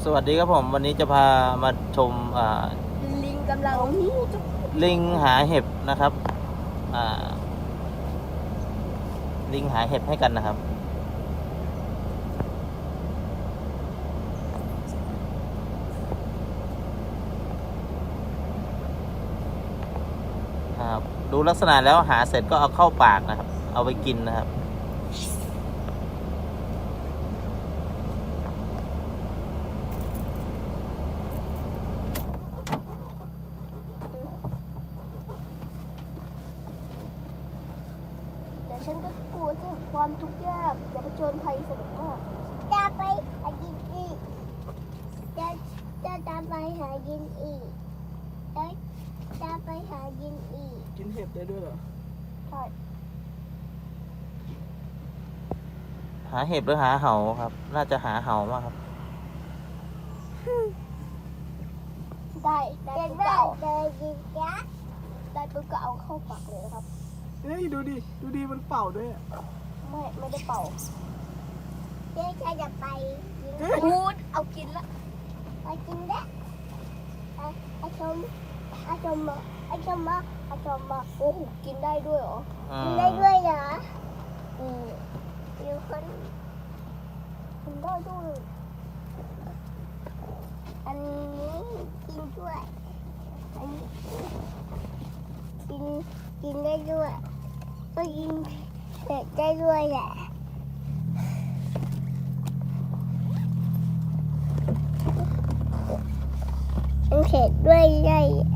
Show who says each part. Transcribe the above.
Speaker 1: สวัสดีครับผมวันนี้จะพามาชม
Speaker 2: ลิงกำลัง
Speaker 1: ลิงหาเห็บนะครับลิงหาเห็บให้กันนะครับดูลักษณะแล้วหาเสร็จก็เอาเข้าปากนะครับเอาไปกินนะครับ
Speaker 2: แต่ฉันก็กลัวจะความทุกข์ยากจะผจญภัยสนุกมากจะไปหากินอีกจะตามไปหากินอีกจะไปหากินอีก
Speaker 3: กินเห็บได้ด้วยเหรอ
Speaker 2: ใช่
Speaker 1: หาเห็บหรือหาเห่าครับน่าจะหาเห่ามากครับ
Speaker 2: ได้ปุ๊บก็เอาได้ปุ๊บก็เอาเข้าปากเลยนะครับ
Speaker 3: เฮ้ยดูดิมันเป่าด้วย
Speaker 2: ไม่ได้เป่าเจ๊จะไปพูดเอากินละไปกินได้อาชมมาโอ้โหกินได้ด้วยเหรอกินได้ด้วยเหรออยู่คนกินได้ด้วยอันนี้กินด้วยอันนี้กินได้ด้วยก็กินเผ็ดได้ด้วยแหละมันเผ็ดด้วยใหญ่